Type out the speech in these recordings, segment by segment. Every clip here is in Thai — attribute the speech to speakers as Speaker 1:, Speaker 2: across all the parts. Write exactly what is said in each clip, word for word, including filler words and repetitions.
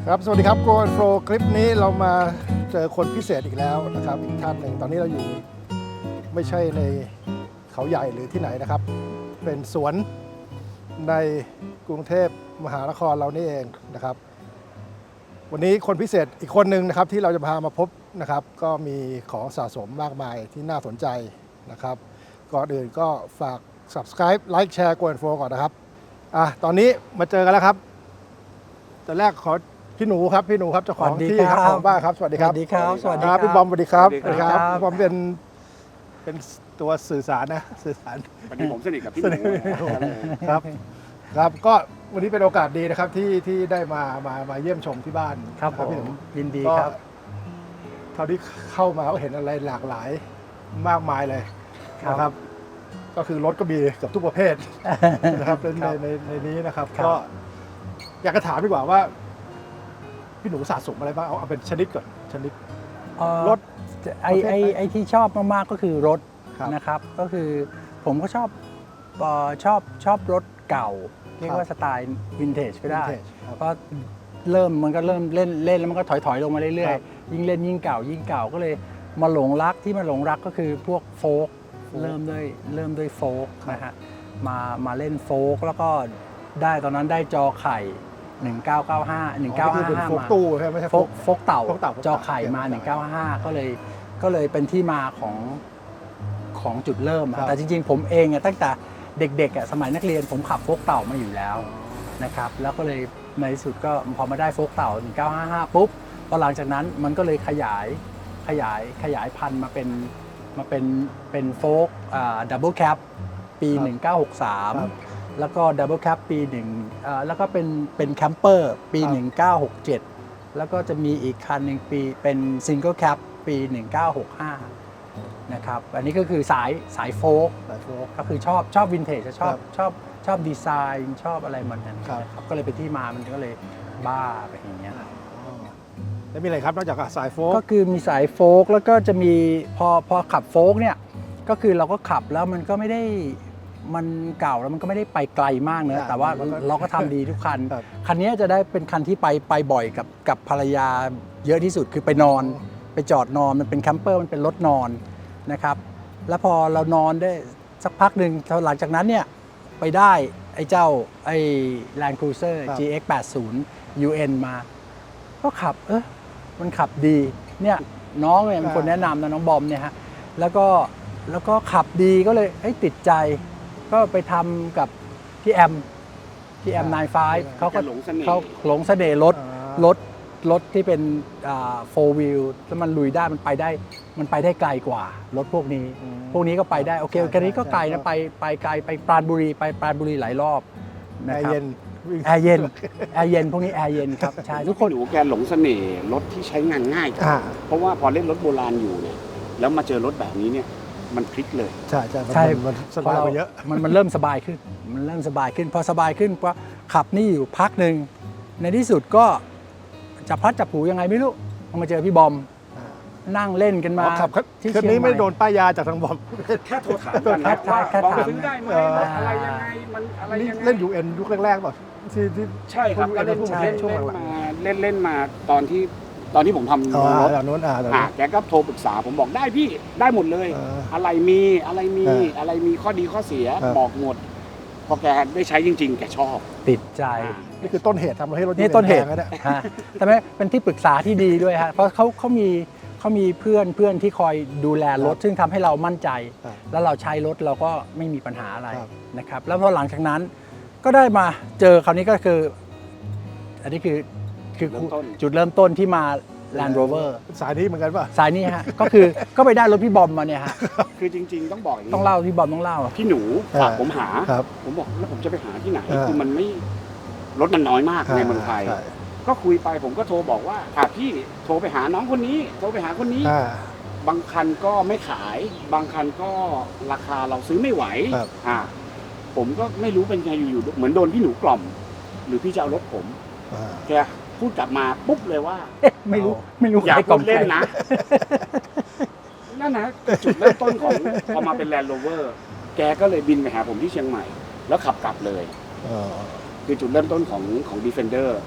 Speaker 1: ครับสวัสดีครับโกนโฟลคลิปนี้เรามาเจอคนพิเศษอีกแล้วนะครับอีกท่านหนึ่งตอนนี้เราอยู่ไม่ใช่ในเขาใหญ่หรือที่ไหนนะครับเป็นสวนในกรุงเทพมหานครเรานี่เองนะครับวันนี้คนพิเศษอีกคนหนึ่งนะครับที่เราจะพามาพบนะครับก็มีของสะสมมากมายที่น่าสนใจนะครับก่อนอื่นก็ฝาก Subscribe ไลค์แชร์โกนโฟลก่อนนะครับอ่ะตอนนี้มาเจอกันแล้วครับแต่แรกขอพี่หนูครับพี่หนูครับเจ้าของที่ครับของบ้านครับสวัสดีครับ
Speaker 2: สวัสดีครับสวัสดี
Speaker 1: ค
Speaker 2: ค
Speaker 1: รั
Speaker 2: รั
Speaker 1: บบ พี่บอมสวัสดีครับ
Speaker 2: สวัสดีครับ
Speaker 1: พี่บอมเป็นเป็นตัวสื่อสารนะสื่อสาร
Speaker 3: วันนี้ผมสนิทกับพี่ห
Speaker 1: ส
Speaker 3: นู
Speaker 1: นิทครับครับก็วันนี้เป็นโอกาสดีนะครับที่ที่ได้มามามาเยี่ยมชมที่บ้าน
Speaker 2: ครับผ
Speaker 1: พี่หนู
Speaker 2: มยินดี
Speaker 1: ก็
Speaker 2: ครับ
Speaker 1: เท่าที่เข้ามาก็เห็นอะไรหลากหลายมากมายเลยนะครับ ก็คือรถก็มีเกับทุกประเภทนะครับใน
Speaker 2: ครับ
Speaker 1: ในในนี้นะครับ
Speaker 2: ครับ
Speaker 1: ก็อยากจะถามดีกว่าว่า พี่หนูสะสมอะไรบ้างเอาเอาเป็นชนิดก่อนชนิด
Speaker 2: เอ่อ
Speaker 1: รถ
Speaker 2: ไอไอไอที่ชอบมากๆก็คือรถ
Speaker 1: ครับ
Speaker 2: นะครับ ก็คือผมก็ชอบเอ่อชอบชอบรถเก่า เรียกว่าสไตล์วินเทจก็ได้
Speaker 1: Vintage ครับ
Speaker 2: ก็เริ่มมันก็เริ่มเล่นเล่นแล้วมันก็ถอยถอยลงมาเรื่อ
Speaker 1: ค
Speaker 2: ย
Speaker 1: รับ
Speaker 2: ๆ ยิ่งเล่นยิ่งเก่ายิ่งเก่าก็เลยมาหลงรักที่มาหลงรักก็คือพวกโฟล์ก
Speaker 1: โฟล์ก
Speaker 2: เริ่มด้วยเริ่มด้วยโฟล์ก
Speaker 1: ครับ
Speaker 2: นะฮะมามาเล่นโฟล์กแล้วก็ได้ตอนนั้นได้จอไข่หนึ่งเก้าเก้าห้า หนึ่งเก้า
Speaker 1: อ๋อนี่คือ
Speaker 2: ห้า
Speaker 1: เป็น
Speaker 2: ห้า
Speaker 1: โฟก
Speaker 2: มา
Speaker 1: ตู้ใช่ไหมไม่ใช่
Speaker 2: โฟกโฟกเต่า
Speaker 1: โฟกเต่า
Speaker 2: จอไข่มา
Speaker 1: โฟกเต่า
Speaker 2: หนึ่งเก้าห้าก็เลยก็เลยเป็นที่มาของของจุดเริ่มอะ
Speaker 1: ครับ
Speaker 2: แต่จริงๆ ผมเองอะตั้งแต่เด็กๆอะสมัยนักเรียนผมขับโฟกเต่ามาอยู่แล้วนะครับแล้วก็เลยในที่สุดก็พอมาได้โฟกเต่าหนึ่งเก้าห้าห้าปุ๊บพอหลังจากนั้นมันก็เลยขยายขยายขยายพันธุ์มาเป็นมาเป็นเป็นโฟกดับเบิลแคปปี
Speaker 1: ครับ
Speaker 2: หนึ่งเก้าหกสาม
Speaker 1: ครับ
Speaker 2: แล้วก็ดับเบิลแคปปีหนึ่งเอ่อแล้วก็เป็นเป็นแคมเปอร์ปี
Speaker 1: ครับ
Speaker 2: หนึ่งเก้าหกเจ็ด แล้วก็จะมีอีกคันหนึ่งปีเป็นซิงเกิลแคปปีหนึ่งเก้าหกห้านะครับอันนี้ก็คือสายสายโฟล์ก
Speaker 1: สายโฟก
Speaker 2: ก็คือชอบชอบวินเทจชอบ
Speaker 1: ครับ
Speaker 2: ชอบชอบดีไซน์ชอบอะไรมันนั้น
Speaker 1: ครับ
Speaker 2: นะครับก็เลยเป็นที่มามันก็เลยบ้าไปอย่างเงี้ย
Speaker 1: แล้วมีอะไรครับนอกจากสายโฟก
Speaker 2: ก็คือมีสายโฟล์กแล้วก็จะมีพอพอขับโฟล์กเนี่ยก็คือเราก็ขับแล้วมันก็ไม่ได้มันเก่าแล้วมันก็ไม่ได้ไปไกลมากเนอะแต่ว่าเราก็ทำดีทุกคัน
Speaker 1: ครับ
Speaker 2: คันนี้จะได้เป็นคันที่ไปไปบ่อยกับกับภรรยาเยอะที่สุดคือไปนอนไปจอดนอนมันเป็นแคมเปอร์มันเป็นรถนอนนะครับแล้วพอเรานอนได้สักพักหนึ่งหลังจากนั้นเนี่ยไปได้ไอ้เจ้าไอ้ Land Cruiser
Speaker 1: ครับ
Speaker 2: จี เอ็กซ์ แปดสิบ ยู เอ็น มา ก็ขับเออมันขับดีเนี่ยน้องเนี่ยเป็นคนแนะนำนะน้องบอมเนี่ยฮะแล้วก็แล้วก็ขับดีก็เลยเอ้ยติดใจ ก็ไปทำกับพี่แอมพี่แอม
Speaker 1: ครับ
Speaker 2: ไนน์ไฟว์เขาก็
Speaker 3: แกหลงเสน่ห์
Speaker 2: เขาหลงเสน่ห์รถ
Speaker 1: อ่าร
Speaker 2: ถรถที่เป็นโฟร์วิลแล้วมันลุยได้มันไปได้มันไปได้ไกลกว่ารถพวกนี้
Speaker 1: อืม
Speaker 2: พวกนี้ก็ไปได้โอเค
Speaker 1: ใช่
Speaker 2: แค่นี้ก็
Speaker 1: ใช่
Speaker 2: ไกลนะไปไปไกลไปปราณบุรีไปปราณบุรีหลายรอบ
Speaker 1: แอ
Speaker 2: นะ
Speaker 1: ร์
Speaker 2: ครับ
Speaker 1: เย็นวิ่ง
Speaker 2: แอร์เย็นแอร์เย็นพวกนี้แอร์เย็นครับใช่ทุกคน
Speaker 3: พี่หนูแกหลงเสน่ห์รถที่ใช้งานง่าย
Speaker 1: อ่า
Speaker 3: เพราะว่าพอเล่นรถโบราณอยู่เนี่ยแล้วมาเจอรถแบบนี้เนี่ยมันพลิกเลย
Speaker 1: ใช่ใช่มัน
Speaker 2: ใช่
Speaker 1: มันสบายกว่าเยอะ
Speaker 2: มันมันเริ่มสบายขึ้น มันเริ่มสบายขึ้น พอสบายขึ้นก็ขับนี่อยู่พักหนึ่งในที่สุดก็จับพลัดจับผลูยังไงไม่รู้มาเจอพี่บอม
Speaker 1: อ่า
Speaker 2: นั่งเล่นกันมา
Speaker 1: อ๋อขับ
Speaker 2: ที่
Speaker 1: คัน
Speaker 2: เชียง
Speaker 1: นี้
Speaker 2: ให
Speaker 1: ไม่
Speaker 2: ม่
Speaker 1: โดนป้ายยาจากทางบอม
Speaker 3: แค่โทรถามกันนะ
Speaker 2: แค่
Speaker 3: ว่า
Speaker 2: แค่
Speaker 3: บอก
Speaker 2: ถาม
Speaker 3: ซื้อได้ไหม
Speaker 1: เออ
Speaker 3: รถอะไรยังไงมันอะไร
Speaker 1: นี่
Speaker 3: ยังไง
Speaker 1: เล่นยูเอ็นยุคแรกๆป่ะที่ที่
Speaker 3: ใช่ครับก็เล่น
Speaker 1: ช่วง
Speaker 3: เล่น
Speaker 1: ช่วง
Speaker 3: เล่น
Speaker 1: หลัง
Speaker 3: มาเล่นเล่นมาตอนที่ตอนที่ผมทำ
Speaker 1: อ๋อ
Speaker 3: รถ
Speaker 1: แบบนู้นอ่าแบบ
Speaker 3: อ่ะ
Speaker 1: นู้น
Speaker 3: แกก็โทรปรึกษาผมบอกได้พี่ได้หมดเลย
Speaker 1: เอออ
Speaker 3: อะไรมีอะไรมี
Speaker 1: เออ
Speaker 3: อะไรมีข้อดีข้อเสีย
Speaker 1: ครับ
Speaker 3: บอกหมด พอแกได้ใช้จริง ๆ แกชอบ
Speaker 2: ติดใจ
Speaker 1: นี่คือต้นเหตุทำให้รถ
Speaker 2: นี่ต้นเหตุ
Speaker 1: แพงะเนี่ย
Speaker 2: ฮะแต่ไม่เป็นที่ปรึกษาที่ดีด้วยฮะเพราะเขาเขามีเขามีเพื่อนเพื่อนที่คอยดูแลรถ
Speaker 1: ครับ
Speaker 2: ซึ่งทำให้เรามั่นใจ
Speaker 1: ครับ
Speaker 2: แล้วเราใช้รถเราก็ไม่มีปัญหาอะไร
Speaker 1: ครับ
Speaker 2: นะครับแล้วพอหลังจากนั้นก็ได้มาเจอคราวนี้ก็คือ อันนี้คือคือ
Speaker 3: เริ่มต้น
Speaker 2: จุดเริ่มต้นที่มา Land Rover
Speaker 1: สายนี้เหมือนกันป่ะ
Speaker 2: สายนี้ฮะ ก็คือก็ไปได้รถพี่บอมมาเนี่ยฮะ
Speaker 3: คือจริง ๆ ต้องบอกอย่างนี้
Speaker 2: ต้องเล่าพี่บอมต้องเล่า
Speaker 3: พี่หนูฝาก
Speaker 1: เออ
Speaker 3: ผมหา
Speaker 1: ครับ
Speaker 3: ผมบอกแล้วผมจะไปหาที่ไหน
Speaker 1: เออ
Speaker 3: คือมันไม่รถมันน้อยมากในเมืองไทย
Speaker 1: ใช่
Speaker 3: ก็คุยไปผมก็โทรบอกว่าอ่ะพี่โทรไปหาน้องคนนี้ โทรไปหาคนนี้
Speaker 1: อ่า
Speaker 3: บางคันก็ไม่ขาย บางคันก็ราคาเราซื้อไม่ไหว
Speaker 1: ครับ
Speaker 3: อ่าผมก็ไม่รู้เป็นไงอยู่ๆเหมือนโดนพี่หนูกล่อม หรือพี่จะเอารถผม
Speaker 1: อ่า
Speaker 3: แกพูดกลับมาปุ๊บเลยว่า
Speaker 2: ไม่รู้ไม่รู้
Speaker 3: อย่า
Speaker 2: ใครก
Speaker 3: พู
Speaker 2: ล่อ
Speaker 3: ด
Speaker 2: ม
Speaker 3: เล่น
Speaker 2: ใคร
Speaker 3: นะ นั่นนะจุดเริ่มต้นของพอมาเป็นแลนด์โรเวอร์แกก็เลยบินไปหาผมที่เชียงใหม่ แล้วขับกลับเลย
Speaker 1: อ๋อ
Speaker 3: คือจุดเริ่มต้นของของ Defender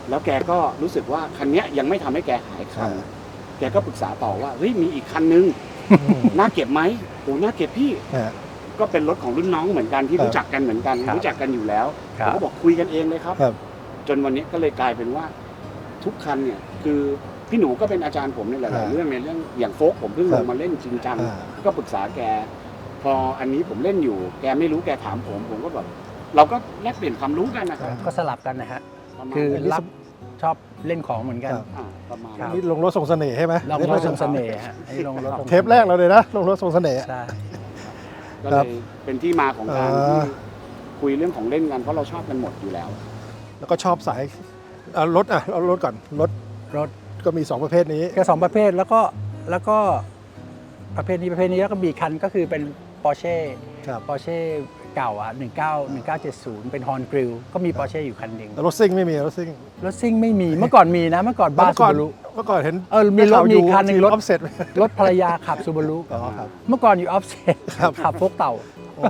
Speaker 3: แล้วแกก็รู้สึกว่าคันเนี้ยยังไม่ทำให้แกหายคัน
Speaker 1: อ่า
Speaker 3: แกก็ปรึกษาต่อว่าเฮ้ยมีอีกคันนึง น่าเก็บไหมโอ้น่าเก็บพี่
Speaker 1: อ่า
Speaker 3: ก็เป็นรถของรุ่นน้องเหมือนกันที่
Speaker 1: ครับ
Speaker 3: รู้จักกันเหมือนกัน
Speaker 2: ครับ
Speaker 3: รู้จักกันอยู่แล้ว
Speaker 2: ครั
Speaker 3: ผม
Speaker 2: บ
Speaker 3: ก็บอกคุยกันเองเลยครับ
Speaker 1: ครับ
Speaker 3: จนวันนี้ก็เลยกลายเป็นว่าทุกคันเนี่ยคือพี่หนูก็เป็นอาจารย์ผมในหลาย
Speaker 1: อ่า
Speaker 3: ๆเรื่องในเรื่องอย่างโฟกผมเพิ่ง
Speaker 1: ค
Speaker 3: ล
Speaker 1: รับ
Speaker 3: งมาเล่นจริงจัง
Speaker 1: อ่า
Speaker 3: ก็ปรึกษาแก พออันนี้ผมเล่นอยู่ แกไม่รู้แกถามผม ผมก็แบบเราก็แลกเปลี่ยนความรู้กันนะครับ
Speaker 2: ก็สลับกันนะฮะ
Speaker 3: ประมาณ
Speaker 2: คือ
Speaker 3: นั้น
Speaker 2: รับชอบเล่นของเหมือนกัน
Speaker 1: ครับ
Speaker 3: อ่าประมาณ
Speaker 2: ครั
Speaker 3: นั้
Speaker 2: บ
Speaker 3: น
Speaker 1: นี่ลงรถทรงเสน่ห์ใช่ไหม
Speaker 2: ลองรถทรงเสน่ห์ฮะให้ลงรถทรง
Speaker 1: เทปแรกเราเลยนะลงรถทรงเสน่ห์
Speaker 2: ใช่
Speaker 3: ก็
Speaker 1: ค
Speaker 3: เล
Speaker 1: รับ
Speaker 3: ยเป็นที่มาของการ
Speaker 1: อ่า
Speaker 3: ที่คุยเรื่องของเล่นกันเพราะเราชอบกันหมดอยู่แล้ว
Speaker 1: แล้วก็ชอบสายเอารถอ่ะเอารถก่อนรถ
Speaker 2: รถ
Speaker 1: ก็มีสองประเภทนี้
Speaker 2: ก็สองประเภทแล้วก็แล้วก็ประเภทนี้ประเภทนี้แล้วก็มีคันก็คือเป็น Porsche
Speaker 1: ครับ
Speaker 2: Porsche เก่าอ่ะหนึ่งเก้า หนึ่งเก้าเจ็ดศูนย์เป็น Horn Grill ก็มี Porsche อยู่คันหนึ่ง
Speaker 1: แต่รถซิ่งไม่มีรถซิ่ง
Speaker 2: รถซิ่งไม่มีเมื่อก่อนมีนะ เมื่อก่อนบ้าน
Speaker 1: เมื่อ
Speaker 2: ซู
Speaker 1: ก่อน
Speaker 2: บารุ
Speaker 1: เมื่อก่อนเห็น
Speaker 2: เออมีรถมีคันหนึ่งรถ
Speaker 1: ออฟเซ็ต
Speaker 2: รถภรรยาขับซูบารุ
Speaker 1: อ๋อครับ
Speaker 2: เมื่อก่อนอยู่ออฟเซ็ต
Speaker 1: ครับ
Speaker 2: ขับโฟกเต่า
Speaker 1: โอ้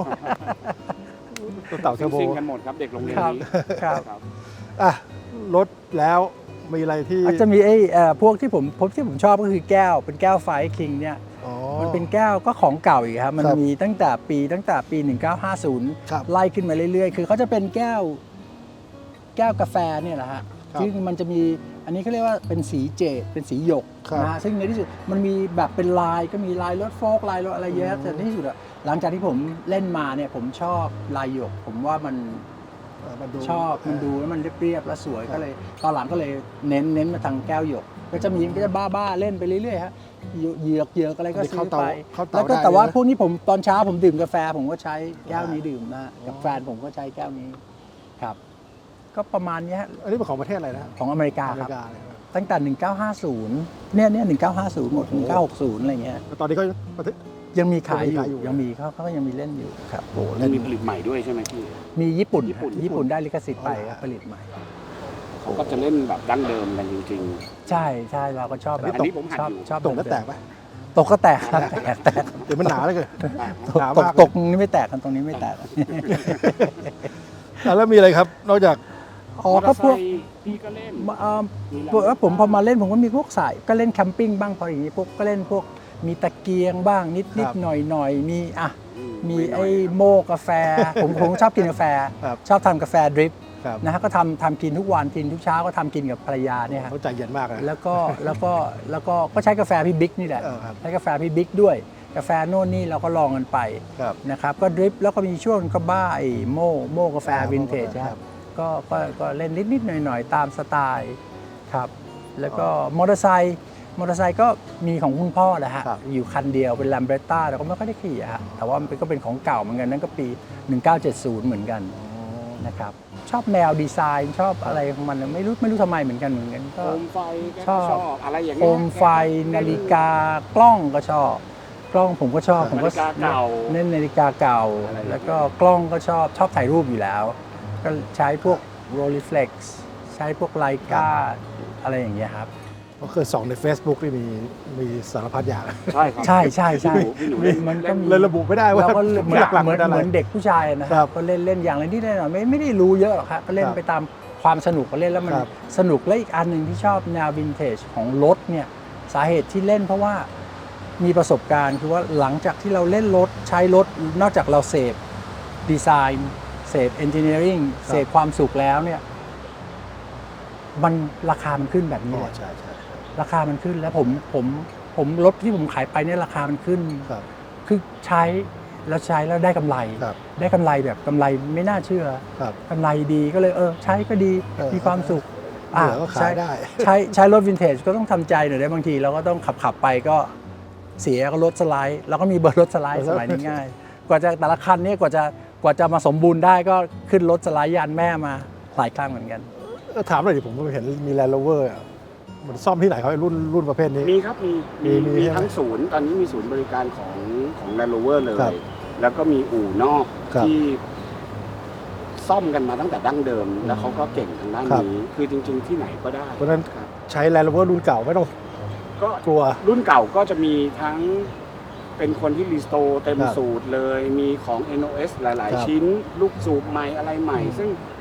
Speaker 1: ตัวเต่าเทอร์โบ
Speaker 3: ซิ่งๆกันหมดครับเด็กโรงเรียน
Speaker 2: ครับ
Speaker 3: นี้
Speaker 2: ครับ
Speaker 3: ครับ
Speaker 1: อ่ะรถแล้วมีอะไรที่
Speaker 2: อาจจะมีไอ้เอ่อพวกที่ผมผมที่ผมชอบก็คือแก้วเป็นแก้วไฟคิงเนี่ย
Speaker 1: อ๋อ
Speaker 2: มันเป็นแก้วก็ของเก่าอีกครับ มัน
Speaker 1: ครับ
Speaker 2: มีตั้งแต่ปีตั้งแต่ปี หนึ่งเก้าห้าศูนย์
Speaker 1: ครับ
Speaker 2: ไล่ขึ้นมาเรื่อยๆ คือเขาจะเป็นแก้วแก้วกาแฟเนี่ยแหละฮะ
Speaker 1: ครับ
Speaker 2: ซึ่งมันจะมีอันนี้เขาเรียกว่าเป็นสีเจดเป็นสีหยก
Speaker 1: ครับ
Speaker 2: นะฮะซึ่งในที่สุดมันมีแบบเป็นลายก็มีลายรถโฟล์กลายรถอะไรเยอะแต่ในที่สุดอะหลังจากที่ผมเล่นมาเนี่ยผมชอบลายหยก ผมว่ามัน
Speaker 1: เอ่อมาดู
Speaker 2: ชอบมันดูแล้วมันเรียบๆและสวยก็เลยตอนหลังก็เลยเน้นเน้นมาทางแก้วหยก ก็จะมีก็จะบ้าๆเล่นไปเรื่อยๆฮะเหยือกเหยือกอะไรก็ซื้อไป
Speaker 1: เข้าเตา
Speaker 2: แล้วก็
Speaker 1: ได้
Speaker 2: แต่ว่า
Speaker 1: เลยนะ
Speaker 2: พวกนี้ผมตอนเช้าผมดื่มกาแฟ ผมก็ใช้แก้วนี้ดื่มนะกับแฟนผมก็ใช้แก้วนี้ครับ ก็ประมาณนี้ฮะ
Speaker 1: อันนี้เป็นของประเทศอะไรนะ
Speaker 2: ของอเมริกา
Speaker 1: อเม
Speaker 2: ครับ
Speaker 1: ริกาเลยครับ
Speaker 2: ตั้งแต่ หนึ่งเก้าห้าศูนย์ เนี่ยเนี่ยหนึ่งเก้าห้าศูนย์หมด หนึ่งเก้าหกศูนย์ อะไรเงี้ย
Speaker 1: แล้วตอนนี้ก็ประเทศ
Speaker 2: ยังมีขายอ
Speaker 1: ยังมีขายอยู่
Speaker 2: ยู่ยังมีเขาเขาก็ยังมีเล่นอยู่ครับ
Speaker 1: โอ้โห
Speaker 3: มั
Speaker 1: เล่
Speaker 3: น
Speaker 1: น
Speaker 3: มีผลิตใหม่ด้วยใช่ไหมพี่
Speaker 2: มีญี่ปุ่น
Speaker 3: ญี่ปุ่น
Speaker 2: ฮะญี่ปุ่นได้ลิขสิทธิ์ไป
Speaker 1: อ๋อเหรอ
Speaker 2: ครับผลิตใหม่
Speaker 3: เขาก็จะเล่นแบบดั้งเดิมกันจริง
Speaker 2: ใช่ใช่เราก็ชอบแบบ
Speaker 3: อันนี้ผมหัด
Speaker 2: ชอบ
Speaker 3: อยู่
Speaker 2: ชอบ
Speaker 1: ตกแล้วแตกปะ
Speaker 2: ตกก็แตกครับแตกแตก
Speaker 1: หรือมันหนาเลยเกิน
Speaker 3: ๆ
Speaker 2: ตก
Speaker 1: หนา
Speaker 2: ตก
Speaker 1: มาก
Speaker 2: ตกนี่ไม่แตกกันตรงนี้ไม่แตก
Speaker 1: อ่ะแล้วมีอะไรครับ นอกจาก
Speaker 2: อ๋อ
Speaker 3: มอเต
Speaker 2: ก็
Speaker 3: อร์ไซ
Speaker 2: พวก
Speaker 3: ค์พี่ก็เล่น
Speaker 2: เอ่อ
Speaker 3: มี
Speaker 2: พวกแล้วผมพอมาเล่นผมก็มีพวกสายก็เล่นแคมปิ้งบ้างพออย่างนี้พวกก็เล่นพวกมีตะเกียงบ้างนิดนิดหน่อยหน่อยมีอ่ะมีไอ้โม่กาแฟ ผมผมชอบกินกาแฟ
Speaker 1: ครับ
Speaker 2: ชอบทำกาแฟดริป
Speaker 1: ครับ
Speaker 2: นะฮะก็ทำทำกินทุกวันกินทุกเช้าก็ทำกินกับภรรยาเนี่ยฮะ
Speaker 1: เขาใจเย็นมากเลย
Speaker 2: แล้วก็แล้วก็แล้วก็ก็ใช้กาแฟพี่บิ๊กนี่แหละ
Speaker 1: เออครับ
Speaker 2: ใช้กาแฟพี่บิ๊กด้วย กาแฟโน่นนี่เราก็ลองกันไป
Speaker 1: ครับ
Speaker 2: นะครับก็ดริปแล้วก็มีช่วงก็บ้าไอ้โม่โม่กาแฟ
Speaker 1: อ่า
Speaker 2: วินเทจ
Speaker 1: โม่กาแฟ
Speaker 2: ครับก็ก็ก็เล่นนิดๆหน่อยๆ ตามสไตล์ครับแล้วก็มอเตอร์ไซค์มอเตอร์ไซค์ก็มีของคุณพ่อแหละฮะ
Speaker 1: ครับ
Speaker 2: อยู่คันเดียวเป็นแลมเบรต้าแต่ก็ไม่ค่อยได้ขี่อะฮะแต่ว่ามันก็เป็นของเก่าเหมือนกันนั่นก็ปี หนึ่งเก้าเจ็ดศูนย์ เหมือนกันนะครับชอบแนวดีไซน์ชอบอะไรของมันไม่รู้ไม่รู้ทำไมเหมือนกันเหมือนกัน
Speaker 3: โค
Speaker 2: ก็
Speaker 3: มไฟแก
Speaker 2: ช
Speaker 3: ก็
Speaker 2: อบ
Speaker 3: ชอบอะไรอย่าง
Speaker 2: โค
Speaker 3: เงี้ย
Speaker 2: มไฟนาฬิกากล้องก็ชอบ กล้องผมก็ชอบผมก็
Speaker 3: นาฬิกาเก่า
Speaker 2: เล่นนาฬิกาเก่า
Speaker 3: อะไรอย่างเงี้ย
Speaker 2: แล้วก็กล้องก็ชอบชอบถ่ายรูปอยู่แล้ว ก็ใช้พวก Rolleiflex ใช้พวกไลกาอะไรอย่างเงี้ยครับ
Speaker 1: ก็คือส่องใน Facebook นี่มีมีสารพัดอย่าง
Speaker 3: ใช่ครับ
Speaker 2: ใช่ใช่ใช่
Speaker 3: พี่หนูพี่หนูเล่น
Speaker 2: มันก็มี
Speaker 1: เลยระบุไม่ได้ว่า
Speaker 2: เราก็เหมือน
Speaker 1: หลักๆ
Speaker 2: เหมือน
Speaker 1: เป็นอะไร
Speaker 2: เหมือนเด็กผู้ชายนะค
Speaker 1: ครั
Speaker 2: รับบ ก็เล่นเล่นอย่างไรที่ได้หน่อยไม่ไม่ได้รู้เยอะหรอกครับก็เล่น
Speaker 1: ครับ
Speaker 2: ไปตามความสนุกก็เล่นแล้วมัน
Speaker 1: ครับ
Speaker 2: สนุกและอีกอันหนึ่งที่ชอบแนววินเทจของรถเนี่ยสาเหตุที่เล่นเพราะว่ามีประสบการณ์คือว่าหลังจากที่เราเล่นรถใช้รถนอกจากเราเสพดีไซน์เสพเอนจิเนียริงเสพความสุขแล้วเนี่ยมันราคามันขึ้นแบบนี้
Speaker 1: อ๋
Speaker 2: เล
Speaker 1: อย ใช่ใช่
Speaker 2: ราคามันขึ้นแล้วผมผมผมรถที่ผมขายไปเนี่ยราคามันขึ้น
Speaker 1: ครับ
Speaker 2: คือใช้แล้วใช้แล้วได้กำไร
Speaker 1: ครับ
Speaker 2: ได้กำไรแบบกำไรไม่น่าเชื่อ
Speaker 1: ครับ
Speaker 2: กำไรดีก็เลยเออใช้ก็ดี
Speaker 1: เออ
Speaker 2: มีความสุข
Speaker 1: เหลือก็ขายได้
Speaker 2: ใช้ใช้รถวินเทจก็ต้องทำใจหน่อยได้บางทีเราก็ต้องขับขับไปก็เสียก็รถสไลด์แล้วก็มีเบอร์รถสไลด์
Speaker 1: เออ
Speaker 2: สมัยนี้ง่าย กว่าจะแต่ละคันเนี่ยกว่าจะกว่าจะมาสมบูรณ์ได้ก็ขึ้นรถสไลด์ยานแม่มาหลายครั้งเหมือนกัน
Speaker 1: เออถามหน่อยดิผมเห็นมีแลนด์โรเวอร์มันซ่อมที่ไหนเขาไอ้รุ่นรุ่นประเภทนี้
Speaker 3: มีครับมีมี
Speaker 1: มี
Speaker 3: มี
Speaker 1: ใช่ไหม
Speaker 3: ทั้งศูนย์ตอนนี้มีศูนย์บริการของของ Land Rover เลย
Speaker 1: ครับ
Speaker 3: แล้วก็มีอู่นอก
Speaker 1: ครับ
Speaker 3: ที่ซ่อมกันมาตั้งแต่ดั้งเดิม แล้วเขาก็เก่งทางด้าน
Speaker 1: ครับ
Speaker 3: นี้ คือจริง ๆ ที่ไหนก็ได้
Speaker 1: เพราะฉะนั้น
Speaker 3: ครับ
Speaker 1: ใช้แลนด์โรเวอร์รุ่นเก่าไม่ต้อง
Speaker 3: ก็
Speaker 1: กลัว
Speaker 3: รุ่นเก่าก็จะมีทั้งเป็นคนที่รีสโตร์เต็ม
Speaker 1: ครับ
Speaker 3: สูตรเลย มีของ เอ็น โอ เอส หลาย
Speaker 1: ครับ
Speaker 3: ๆ ชิ้น ลูกสูบใหม่อะไรใหม่
Speaker 1: อืม
Speaker 3: ซึ่ง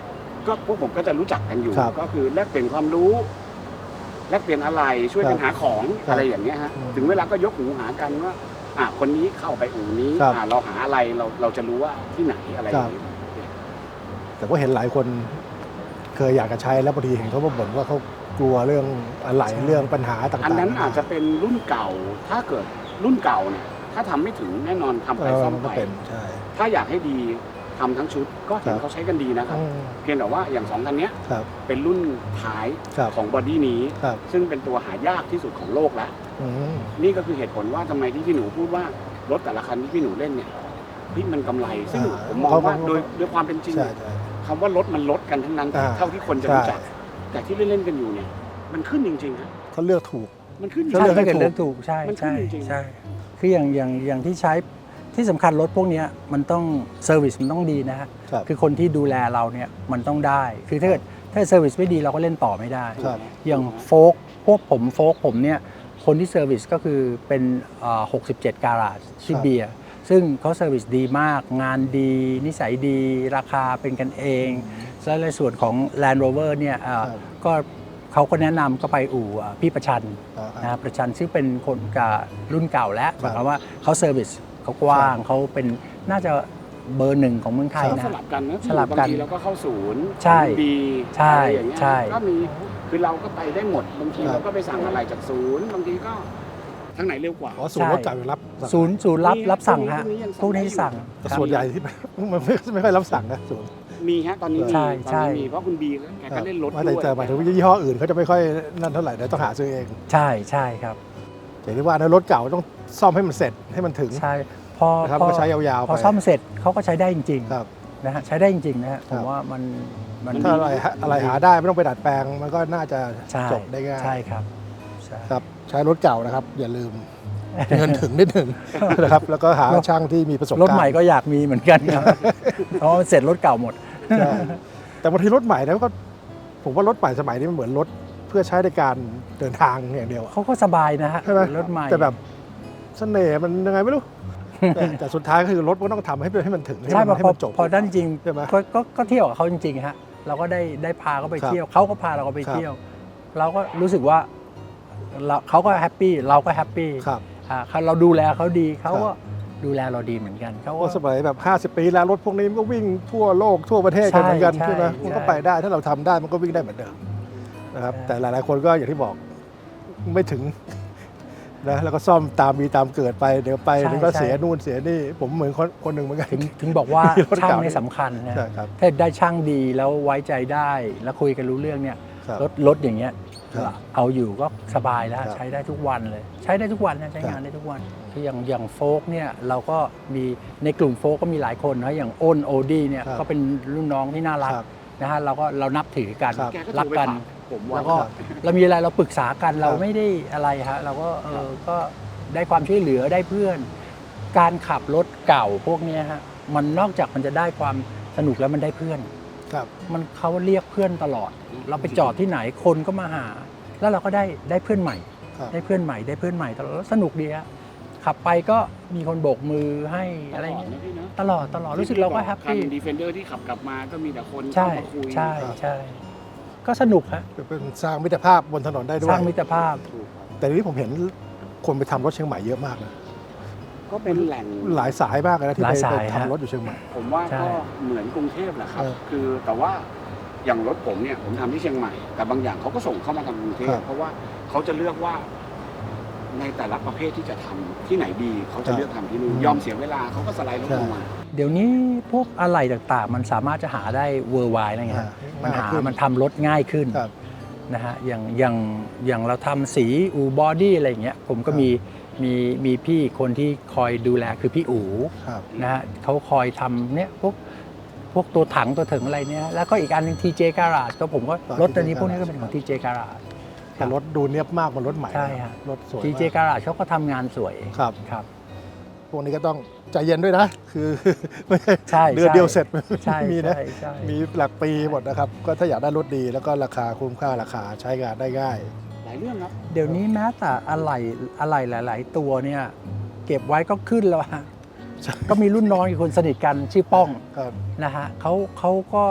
Speaker 3: ก็พวกผมก็จะรู้จักกันอยู่
Speaker 1: ครับ
Speaker 3: ก็คือแลกเปลี่ยนความรู้ แลกเปลี่ยนอะไรช่วยกัน
Speaker 1: ครับ
Speaker 3: หาของ
Speaker 1: ครับ
Speaker 3: อะไรอย่างเงี้ยฮะ
Speaker 1: อืม
Speaker 3: ถึงเวลาก็ยกหูหากันว่าอ่ะคนนี้เข้าไปอู่นี้
Speaker 1: ครับ
Speaker 3: อ่ะเราหาอะไรเราเราจะรู้ว่าที่ไหนอะไรอย่างเงี้ย
Speaker 1: แต่ก็เห็นหลายคนเคยอยากจะใช้แล้วบางทีเห็นเขามาบ่นว่าเขากลัวเรื่องอะไรเรื่องปัญหาต่างๆ
Speaker 3: อันนั้นอาจจะเป็นรุ่นเก่า ถ้าเกิดรุ่นเก่าเนี่ยถ้าทำไม่ถึงแน่นอนทำ
Speaker 1: เอ
Speaker 3: ไป
Speaker 1: อ
Speaker 3: ซ่อม
Speaker 1: มันก็
Speaker 3: ไป
Speaker 1: เป็นใช่
Speaker 3: ถ้าอยากให้ดีทำทั้งชุดก็เห็น
Speaker 1: ครับ
Speaker 3: เขาใช้กันดีนะครับ
Speaker 1: อืม
Speaker 3: เพียงแต่ว่าอย่างสองคันเนี้ย
Speaker 1: ครับ
Speaker 3: เป็นรุ่นท้าย
Speaker 1: ครับ
Speaker 3: ของบอดี้นี้
Speaker 1: ครับ
Speaker 3: ซึ่งเป็นตัวหายากที่สุดของโลกแล้ว
Speaker 1: อืม
Speaker 3: นี่ก็คือเหตุผลว่าทำไมที่พี่หนูพูดว่ารถแต่ละคันที่พี่หนูเล่นเนี่ยพี่มันกำไร ซึ่ง
Speaker 1: อ่า
Speaker 3: ผมมองว่าโดยโดยความเป็นจริง
Speaker 1: ใช่ใช่
Speaker 3: คำว่ารถมันลดกันทั้งนั้น
Speaker 1: อ่า
Speaker 3: เท่าที่คนจะ
Speaker 1: ใช่
Speaker 3: รู้จัก แต่ที่เล่นๆกันอยู่เนี่ย มันขึ้นจริงๆฮะ
Speaker 1: เขาเลือกถูก
Speaker 3: มันขึ้นจ
Speaker 1: ก็
Speaker 3: ริง
Speaker 2: ใช่
Speaker 1: เลือกให้
Speaker 2: ถ้าเกิด
Speaker 1: ถูก
Speaker 2: เลือกถูกใช่
Speaker 3: มันขึ้น
Speaker 2: ใช่
Speaker 3: จริงๆ
Speaker 2: ใช่คืออย่างอย่างอย่างที่ใช้ที่สำคัญรถพวกเนี้ยมันต้องเซอร์วิสมันต้องดีนะฮะ
Speaker 1: ครับ
Speaker 2: คือคนที่ดูแลเราเนี่ยมันต้องได้ คือถ้าเกิดถ้าเซอร์วิสไม่ดีเราก็เล่นต่อไม่ได้
Speaker 1: ครับ
Speaker 2: อย่างโฟกพวกผมโฟกผมเนี่ยคนที่เซอร์วิสก็คือเป็นเอ่อหกสิบเจ็ดการาจชื่อเบียร์ซึ่งเขาเซอร์วิสดีมาก งานดี นิสัยดี ราคาเป็นกันเองและในส่วนของ Land Rover เนี่ยเอ่อ
Speaker 1: ครับ
Speaker 2: ก็เขาก็แนะนำก็ไปอู่เอ่อพี่ประชัน
Speaker 1: อ่า
Speaker 2: นะครับประชันซึ่งเป็นคนกับรุ่นเก่าแล้วห
Speaker 1: ครับ
Speaker 2: มายความว่าเขาเซอร์วิสเขากว้างเขาเป็นน่าจะเบอร์หนึ่งของเมืองไทย
Speaker 3: ก็
Speaker 2: นะ
Speaker 3: สลับกันนะ
Speaker 2: สลับกัน
Speaker 3: บางทีเราก็เข้าศูนย์
Speaker 2: ใช่
Speaker 3: ดี
Speaker 2: ใช่
Speaker 3: อะไรอย่างเงี้ย
Speaker 2: ใช่
Speaker 3: ก็มีคือเราก็ไปได้หมดบางที
Speaker 1: ครับ
Speaker 3: เราก็ไปสั่งอะไรจากศูนย์บางทีก็ทางไหนเร็วกว่า
Speaker 1: อ๋อศูนย์รถเก่าอยู่รับ
Speaker 2: ศูนย์ศูนย์รับ
Speaker 3: มี
Speaker 2: รับสั่งฮะ
Speaker 3: พวกนี้ยัง
Speaker 2: พวกนี้
Speaker 3: สั่
Speaker 2: สั่
Speaker 3: ง
Speaker 2: ง
Speaker 3: ได้อยู่
Speaker 1: แต่ส่วนใหญ่ที่ มันไม่ไม่ค่อยรับสั่งนะศูนย์
Speaker 3: มีฮะตอนนี้มี
Speaker 2: ใช่
Speaker 3: ตอน
Speaker 2: ใช่
Speaker 3: นี้มีเพราะคุณบีแกก็เล่นรถ
Speaker 1: ว่า
Speaker 3: ด้
Speaker 1: แต่
Speaker 3: วย
Speaker 1: แต่หมายถึงว่ายี่ห้ออื่นเขาจะไม่ค่อยนั่นเท่าไหร่เดี๋ยวต้องหาซื้อเอง
Speaker 2: ใช่ใช่ครับ
Speaker 1: อย่างที่ว่านะรถเก่าต้องซ่อมให้มันเสร็จให้มันถึง
Speaker 2: ใช่พอ
Speaker 1: นะครับ
Speaker 2: พอ
Speaker 1: ก็ใช้ยาวๆ
Speaker 2: พอ
Speaker 1: ไป
Speaker 2: ซ่อมเสร็จเขาก็ใช้ได้จริง
Speaker 1: ครับ
Speaker 2: ๆนะฮะใช้ได้จริงๆนะฮะผ
Speaker 1: ครั
Speaker 2: ม
Speaker 1: บ
Speaker 2: ว่ามันมัน
Speaker 1: ถ้าอะไรฮะอะไรหาได้ไม่ต้องไปดัดแปลงมันก็น่าจะ
Speaker 2: ใช่
Speaker 1: จบได้ง่าย
Speaker 2: ใช่ครับใช่
Speaker 1: ครับใช้รถเก่านะครับ อย่าลืม เงินถึงนิดหนึ่งนะครับ แล้วก็หาช่างที่มีประสบการณ์
Speaker 2: รถใหม่ก็อยากมีเหมือนกันครับเพราะว่าเสร็จรถเก่าหมด
Speaker 1: ใช่แต่บางทีรถใหม่แล้วก็ผมว่ารถใหม่สมัยนี้มันเหมือนรถเพื่อใช้ในการเดินทางอย่างเดียวอะ
Speaker 2: เขาก็สบายนะฮะ
Speaker 1: ใช่ไหม
Speaker 2: รถใหม่
Speaker 1: แต่แบบเสน่ห์มันยังไงไม่รู้ แต่แต่สุดท้ายก็คือรถมันต้องทำให้ให้มันถึงให้
Speaker 2: ใช่
Speaker 1: มัน
Speaker 2: พอ
Speaker 1: ให้
Speaker 2: พอ
Speaker 1: มันจบ
Speaker 2: พอด้านจริง
Speaker 1: ใช่ไหม
Speaker 2: ก็ก็ก็เที่ยวกับเขาจริงๆฮะเราก็ได้ได้พาเขาไป
Speaker 1: ครับ
Speaker 2: เที่ยวเขาก็พาเราไป
Speaker 1: ครับ
Speaker 2: เที่ยว เราก็รู้สึกว่าเราเขาก็แฮปปี้เราก็แฮปปี้
Speaker 1: ครับ
Speaker 2: อ่าเขาเราดูแลเขาดีเขาก็
Speaker 1: ครับ
Speaker 2: ดูแลเราดีเหมือนกันเขา
Speaker 1: เพ
Speaker 2: ก็
Speaker 1: ราะสมัยแบบห้าสิบปีแล้วรถพวกนี้มันก็วิ่งทั่วโลกทั่วประเทศกันเหมือนกัน
Speaker 2: ใช่
Speaker 1: ใช่ไหม
Speaker 2: ใช่
Speaker 1: มันก็ไปได้ถ้าเราทำได้มันก็วิ่งได้เหมือนเดิมนะครับ
Speaker 2: ใช่
Speaker 1: แต่หลายๆคนก็อย่างที่บอกไม่ถึงนะแล้วก็ซ่อมตามมีตามเกิดไปเดี๋ยวไปเดี๋ยวก็เสียนู่นเสียนี่ผมเหมือนคนคนหนึ่งเหมือนกัน
Speaker 2: ถึงถึงบอกว่า
Speaker 1: มีรถ
Speaker 2: ช่าง
Speaker 1: เก่า
Speaker 2: เนี่ยสำคัญนะ
Speaker 1: ใช่ครับ
Speaker 2: ถ้าได้ช่างดีแล้วไว้ใจได้แล้วคุยกันรู้เรื่องเนี่ย
Speaker 1: ครับ
Speaker 2: รถรถอย่างเงี้ย
Speaker 1: ครับ
Speaker 2: เอาอยู่ก็สบายแล้ว
Speaker 1: ครับ
Speaker 2: ใช้ได้ทุกวันเลย ใช้ได้ทุกวันนะใช้
Speaker 1: ครับ
Speaker 2: งานได้ทุกวันคืออย่างอย่างโฟกเนี่ยเราก็มีในกลุ่มโฟกก็มีหลายคนนะอย่างอ้นโอดี้เนี่ย
Speaker 1: ครับ
Speaker 2: ก็เป็นรุ่นน้องที่น่ารัก
Speaker 1: ครับ
Speaker 2: นะฮะเราก็เรานับถือกัน
Speaker 1: ครับ
Speaker 3: แกก็
Speaker 2: รั
Speaker 3: โท
Speaker 2: ก
Speaker 3: รไป
Speaker 2: กัน
Speaker 3: ฝากผมว่า
Speaker 2: แล้วก็
Speaker 1: ครับ
Speaker 2: เรามีอะไรเราปรึกษากันเรา
Speaker 1: ครับ
Speaker 2: ไม่ได้อะไรฮะเราก็เออก็ได้ความช่วยเหลือได้เพื่อน การขับรถเก่าพวกเนี้ยฮะมันนอกจากมันจะได้ความสนุกแล้วมันได้เพื่อน
Speaker 1: ครับ
Speaker 2: มันเขาเรียกเพื่อนตลอด เราไปจอดที่ไหนคนก็มาหา แล้วเราก็ได้ได้เพื่อนใหม่
Speaker 1: ครับ
Speaker 2: ได้เพื่อนใหม่ได้เพื่อนใหม่ตลอดแล้วสนุกดีฮะขับไปก็มีคนโบกมือให้อะไรเงี้ย
Speaker 3: ตลดนะพี่นะ
Speaker 2: ตลอดตลอดรู้สึกเราก็แฮปปี้
Speaker 3: ดีเฟนเดอร์ที่ขับกลับมาก็มีแต่คน
Speaker 2: ใช่
Speaker 3: เข้ามาคุย
Speaker 2: ใช่ใช่ ก็สนุกฮะ
Speaker 1: เป็นสร้างมิตรภาพบนถนนได้ด้ว
Speaker 2: ส
Speaker 1: ย
Speaker 2: ร้างมิตรภาพ
Speaker 3: ถูกครับ
Speaker 1: แต่ทีนี้ผมเห็นคนไปทำรถเชียงใหม่เยอะมากนะ
Speaker 3: ก็เป็นแหล่ง
Speaker 1: หลายสายมากเลยนะที่
Speaker 2: หลา
Speaker 1: ไป
Speaker 2: ยสาย
Speaker 1: ไป
Speaker 2: ฮะ
Speaker 1: ทำรถอยู่เชียงใหม่
Speaker 3: ผมว่า
Speaker 2: ใช่
Speaker 3: ก็เหมือนกรุงเทพแหละครับ
Speaker 1: เออ
Speaker 3: คือแต่ว่าอย่างรถผมเนี่ยผมทำที่เชียงใหม่ แต่บางอย่างเขาก็ส่งเข้ามาทำกรุงเท
Speaker 1: ครั
Speaker 3: พ
Speaker 1: บ
Speaker 3: เพราะว่าเขาจะเลือกว่าในแต่ละประเภทที่จะทำที่ไหนดีเขาจะเลือกทำที่นู่น
Speaker 1: อืม
Speaker 3: ยอมเสียเวลาเขาก็สไลด์รถลงมา
Speaker 2: เดี๋ยวนี้พวกอะไหล่ต่างๆ มันสามารถจะหาได้เวอร์ไวอะไรเงี้ยฮะมันหา
Speaker 1: ง่ายขึ้น
Speaker 2: มันทำรถง่ายขึ้น
Speaker 1: ครับ
Speaker 2: นะฮะอย่างอย่างอย่างเราทำสีอูบอดี้อะไรอย่างเงี้ยผมก็
Speaker 1: ครับ
Speaker 2: มีมีมีพี่คนที่คอยดูแลคือพี่อู๋
Speaker 1: ครับ
Speaker 2: นะฮะเขาคอยทำเนี่ยพวกพวกตัวถังตัวถึงอะไรเนี่ยแล้วก็อีกอันหนึง ที เจ Garage ก็ผมก็
Speaker 1: ต่อ
Speaker 2: รถตัวนี้
Speaker 1: ที เจ
Speaker 2: พวกนี้ก็
Speaker 1: Garage
Speaker 2: เป็นของ ที เจ Garage
Speaker 1: แต่รถดูเนียบมากกว่ารถใหม่
Speaker 2: ใช่ฮะ
Speaker 1: รถสวย
Speaker 2: ที เจ
Speaker 1: มาก
Speaker 2: Garage เขาก็ทำงานสวย
Speaker 1: ครับ
Speaker 2: ครับ
Speaker 1: พวกนี้ก็ต้องใจเย็นด้วยนะ คือ ไม่ใช่
Speaker 2: ใช่
Speaker 1: เดือน
Speaker 2: ใช่
Speaker 1: เดียวเสร็จ
Speaker 2: ใช่
Speaker 1: มีนะ
Speaker 2: ใช่ใช่
Speaker 1: มีหลักปีหมดนะครับ ก็ถ้าอยากได้รถดีแล้วก็ราคาคุ้มค่าราคาใช้งานได้ง่าย
Speaker 3: หลายเรื่องครับ
Speaker 2: เดี๋ยวนี้แม้แต่อะไหล่อะไหล่หลาย ๆ ตัวเนี่ยเก็บไว้ก็ขึ้นแล้วฮะ
Speaker 1: ใช่
Speaker 2: ก็มีรุ่นน้องอีกคนสนิทกันชื่อป้อง
Speaker 1: ครับ
Speaker 2: นะฮะเขาเขาก็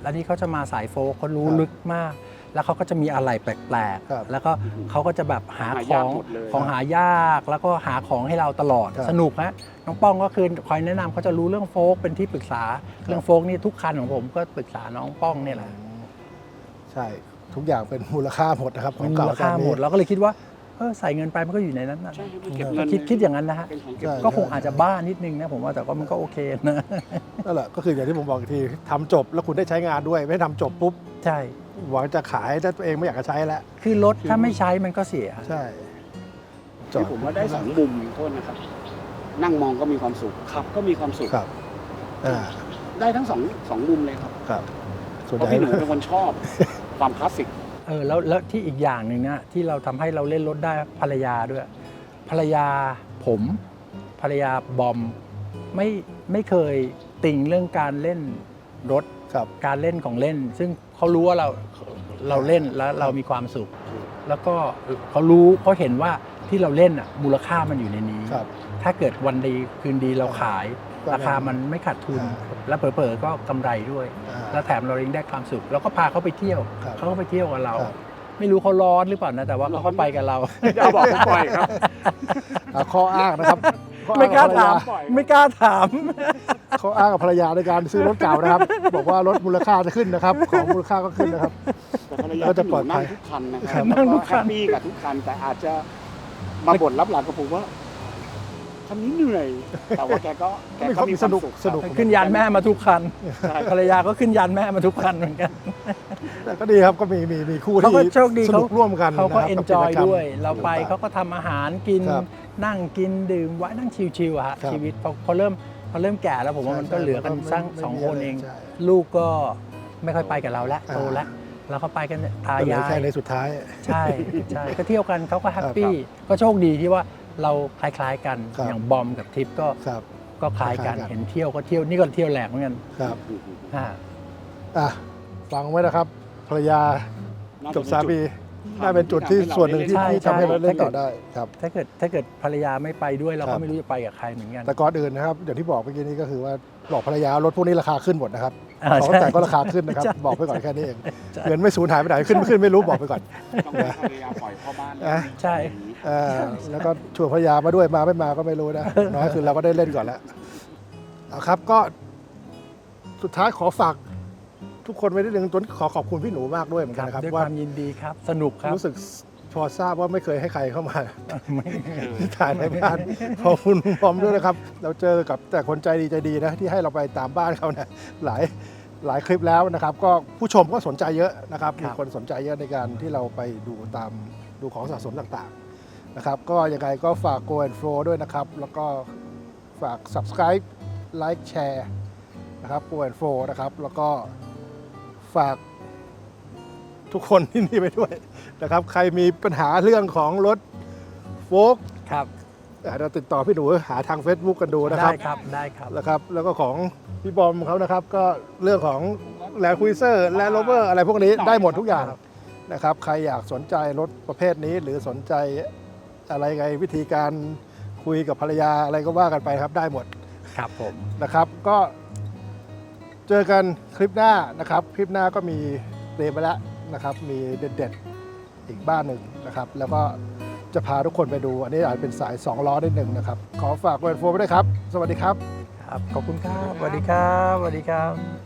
Speaker 2: แล้วนี่เขาจะมาสายโฟล์คเขารู้
Speaker 1: ครับ
Speaker 2: ลึกมาก แล้วเขาก็จะมีอะไรแปลก
Speaker 1: ครับ
Speaker 2: ๆ แล้วก็เขาก็จะแบบหา
Speaker 3: หา
Speaker 2: ข
Speaker 3: ยา
Speaker 2: อก ง
Speaker 3: หมดเลย
Speaker 2: ของหายาก แล้วก็หาของให้เราตลอด
Speaker 1: ครับ
Speaker 2: สนุกฮะน้องป้องก็คือคอยแนะนำเขาจะรู้เรื่องโฟล์คเป็นที่ปรึกษา เรื่องโฟล์คนี่ทุกคันของผมก็ปรึกษาน้องป้องเนี่ยแหละ
Speaker 1: ใช่ทุกอย่างเป็นมูลค่าหมดนะครับขอ
Speaker 2: มั
Speaker 1: ง
Speaker 2: น
Speaker 1: เก่า
Speaker 2: มูลค่า
Speaker 1: ตอนนี้
Speaker 2: หมดเราก็เลยคิดว่าเออใส่เงินไปมันก็อยู่ในนั้นนะ
Speaker 3: ใช่ครับมันเก็บ
Speaker 1: เออ
Speaker 3: เงิน
Speaker 2: คิดคิดอย่างนั้นนะฮะ
Speaker 3: เป็นของเก็บ
Speaker 1: ใช่
Speaker 2: ก็คงอาจจะบ้านิดนึงนะผมว่าแต่ก็มันก็โอเคนะ
Speaker 1: นั่นแหละก็คืออย่างที่ผมบอกอีกทีทำจบแล้วคุณได้ใช้งานด้วย ไม่ทำจบปุ๊บ
Speaker 2: ใช่
Speaker 1: หวังจะขายแต่ตัวเองไม่อยากจะใช้แล้ว
Speaker 2: คือรถถ้าไม่ใช้มันก็เสีย
Speaker 1: ใช่
Speaker 3: ที่ผมว่าได้สองมุมโทษนะครับ นั่งมองก็มีความสุขขับก็มีความสุข
Speaker 1: ครับอ่า
Speaker 3: ได้ทั้งสองสองมุมเลยครับ
Speaker 1: ครับส่วน
Speaker 3: เพ
Speaker 1: ให
Speaker 3: ราะ
Speaker 1: ญ่
Speaker 3: พี่หนูเป็นคนชอบ ความคลาสสิก
Speaker 2: เออแล้วแล้วที่อีกอย่างหนึ่งนะที่เราทำให้เราเล่นรถได้ภรรยาด้วย ภรรยาผมภรรยาบอมไม่ไม่เคยติ่งเรื่องการเล่นรถ
Speaker 1: ครับ
Speaker 2: การเล่นของเล่น ซึ่งเขารู้ว่าเราเราเล่นแล้วเรามีความสุข แล้วก็เขารู้เขาเห็นว่าที่เราเล่นอ่ะมูลค่ามันอยู่ในนี้
Speaker 1: ครับ
Speaker 2: ถ้าเกิดวันดีคืนดีเราขาย
Speaker 1: ก็
Speaker 2: ราคามันไม่ขาดทุน
Speaker 1: อ่า
Speaker 2: แล้วเผลอๆก็กำไรด้วย
Speaker 1: อ่า
Speaker 2: แล้วแถมเรายังได้ความสุขแล้วก็พาเขาไปเที่ยว
Speaker 1: ครับ
Speaker 2: เขาก็ไปเที่ยวกับเรา
Speaker 1: ครับ
Speaker 2: ไม่รู้เขาร้อนหรือเปล่านะแต่ว่าเขาก็ไปกับเรา
Speaker 3: อย่าบอกผมปล่อยครับ
Speaker 1: อ่าข้ออ้างนะครับข้ออ้
Speaker 2: ไม่
Speaker 1: ง
Speaker 2: กล้า
Speaker 1: บภรร
Speaker 2: ถาม
Speaker 1: ย
Speaker 3: ปล่อย
Speaker 2: ไม่กล้าถาม
Speaker 1: ข้ออ้างกับภรรยาในการซื้อรถเก่านะครับ บอกว่ารถมูลค่าจะขึ้นนะครับ ของมูลค่าก็ขึ้นนะครับ
Speaker 3: แต่ภรรยา
Speaker 1: ก็จะ
Speaker 3: พี่ห
Speaker 1: ปล
Speaker 3: นู
Speaker 1: อดภั
Speaker 3: นั่
Speaker 1: ย
Speaker 3: งทุกคันนะค
Speaker 2: ครั
Speaker 3: รับบ
Speaker 2: นั่งทุกคัน
Speaker 3: แฮปปี้กับทุกคัน แต่อาจจะมาบ่นรับหลังกับผมว่าคันนี้เหนื่อย แต่ว่าแกก็แกก็มีความสุข
Speaker 1: สนุก
Speaker 2: ขึ้นยานแม่มาทุกคัน
Speaker 3: ใช่
Speaker 2: ภรรยาก็ขึ้นยานแม่มาทุกคันเหมือนกัน
Speaker 1: แต่ก็ดีครับก็มีมีมีคู่
Speaker 2: เขา
Speaker 1: ที่
Speaker 2: ก็โชคดี
Speaker 1: สนุกร่วมกัน
Speaker 2: เขาก็
Speaker 1: ะครับ
Speaker 2: เอน
Speaker 1: กับ
Speaker 2: จอย
Speaker 1: กิจกรรม
Speaker 2: ด้วย เราไปเขาก็ทำอาหารกิน
Speaker 1: ครับ
Speaker 2: นั่งกินดื่มไว้นั่งชิวๆอะฮะ
Speaker 1: ครับ
Speaker 2: ชีวิตพอพอเริ่มพอเริ่มแก่แล้วผมว่า
Speaker 1: ใช่
Speaker 2: มันก็เหลือกัน
Speaker 1: ใช่
Speaker 2: สร้าง
Speaker 1: ไม่
Speaker 2: สอง
Speaker 1: ไม่มี
Speaker 2: คน
Speaker 1: อะไร
Speaker 2: เอง
Speaker 1: ใช่
Speaker 2: ลูกก็ไม่ค่อยไปกับเราแล้ว
Speaker 1: อ่า
Speaker 2: โตแล้วเราก็ไปกันเนี่ยตา
Speaker 1: ก็เหลือย
Speaker 2: า
Speaker 1: แค่
Speaker 2: ย
Speaker 1: ในสุดท้าย
Speaker 2: ใช่ใช่ก็เที่ยวกันเขาก็แฮปปี้ก็โชคดีที่ว่าเราคล้ายๆกัน
Speaker 1: ครับ
Speaker 2: อย่างบอมกับทิปก็
Speaker 1: ครับ
Speaker 2: ก็คล้ายกัน
Speaker 1: คล้ายกัน
Speaker 2: เห็นเที่ยวก็เที่ยวนี่ก็เที่ยวแหลกเหมือนกัน
Speaker 1: ครับ
Speaker 2: อ่า
Speaker 1: อ่ะฟังไว้นะครับภรรยา
Speaker 3: น่
Speaker 1: กับ
Speaker 3: จะ
Speaker 1: สามี
Speaker 3: เป็นจุด
Speaker 1: น่าเป็นจุดที่ส่วนหนึ่งที่
Speaker 2: ใช่
Speaker 1: ที่ทำให้เราเล่น
Speaker 2: ใช่
Speaker 1: ต่อได้ครับ
Speaker 2: ถ้าเกิดถ้าเกิดภรรยาไม่ไปด้วยเรา
Speaker 1: ครั
Speaker 2: ก็
Speaker 1: บ
Speaker 2: ไม่รู้จะไปกับใครเหมือนกัน
Speaker 1: แต่ก่อนอื่นนะครับอย่างที่บอกเมื่อกี้นี้ก็คือว่าบอกภรรยารถพวกนี้ราคาขึ้นหมดนะครับ
Speaker 2: อ่า
Speaker 1: ของ
Speaker 2: ใช่
Speaker 1: แต่งก็ราคาขึ้นนะครับ
Speaker 2: ใช่
Speaker 1: บอกไปก่อนแค่นี้เอง
Speaker 2: ใช่
Speaker 1: เงินไม่สูญหายไปไหนขึ้นไม่ขึ้นไม่รู้บอกไปก่อน
Speaker 3: ต้องให้ภรรยาปล่อยพ่อบ้าน
Speaker 1: อ่ะ
Speaker 2: ใช่
Speaker 1: เอ่อแล้วก็ชวนภรรยามาด้วยมาไม่มาก็ไม่รู้นะน้อยคือเราก็ได้เล่นก่อนแล้วเอาครับก็สุดท้ายขอฝากทุกคนไว้นิดนึงตัวนี้ขอขอบคุณพี่หนูมากด้วยเหมือน
Speaker 2: ค
Speaker 1: กัน
Speaker 2: รับ
Speaker 1: นะครับ
Speaker 2: ด้วยค
Speaker 1: ว่า
Speaker 2: วามยินดีครับ สนุกครับ
Speaker 1: รู้สึกพอทราบว่าไม่เคยให้ใครเข้ามา
Speaker 2: ไม่
Speaker 1: ถ่ายในบ้านขอบคุณพร้อมด้วยนะครับ เราเจอกับแต่คนใจดีใจดีนะที่ให้เราไปตามบ้านเขาเนี่ยหลายหลายคลิปแล้วนะครับ ก็ผู้ชมก็สนใจเยอะนะครับ
Speaker 2: ครับ
Speaker 1: มีคนสนใจเยอะในการที่เราไปดูตามดูของสะสมต่างๆนะครับ ก็ยังไงก็ฝาก Go and Flow ด้วยนะครับ แล้วก็ฝาก Subscribe Like Share นะครับ Go and Flow นะครับ แล้วก็ฝากทุกคนที่นี่ไปด้วยนะครับ ใครมีปัญหาเรื่องของรถโฟล์ค
Speaker 2: ครับ
Speaker 1: อาจจะติดต่อพี่หนูหาทาง Facebook กันดูนะครับ
Speaker 2: ได้ครับได้ครับ
Speaker 1: นะครับ แล้วก็ของพี่บอมเขานะครับ ก็เรื่องของแลนด์คุยเซอร์แลนด์โรเวอร์อะไรพวกนี้ได้หมดทุกอย่างนะครับ ใครอยากสนใจรถประเภทนี้ หรือสนใจอะไรไงวิธีการคุยกับภรรยาอะไรก็ว่ากันไปครับได้หมด
Speaker 2: ครับผม
Speaker 1: นะครับ ก็เจอกันคลิปหน้านะครับ คลิปหน้าก็มีเตรียมไปแล้วนะครับ มีเด็ดๆอีกบ้านหนึ่งนะครับ แล้วก็จะพาทุกคนไปดู อันนี้อาจเป็นสายสองล้อนิดหนึ่งนะครับ ขอฝากเวรโฟมไว้ด้วยครับ สวัสดีครับ
Speaker 2: ครับ ขอบคุณครับสวัสดีครับสวัสดีครับ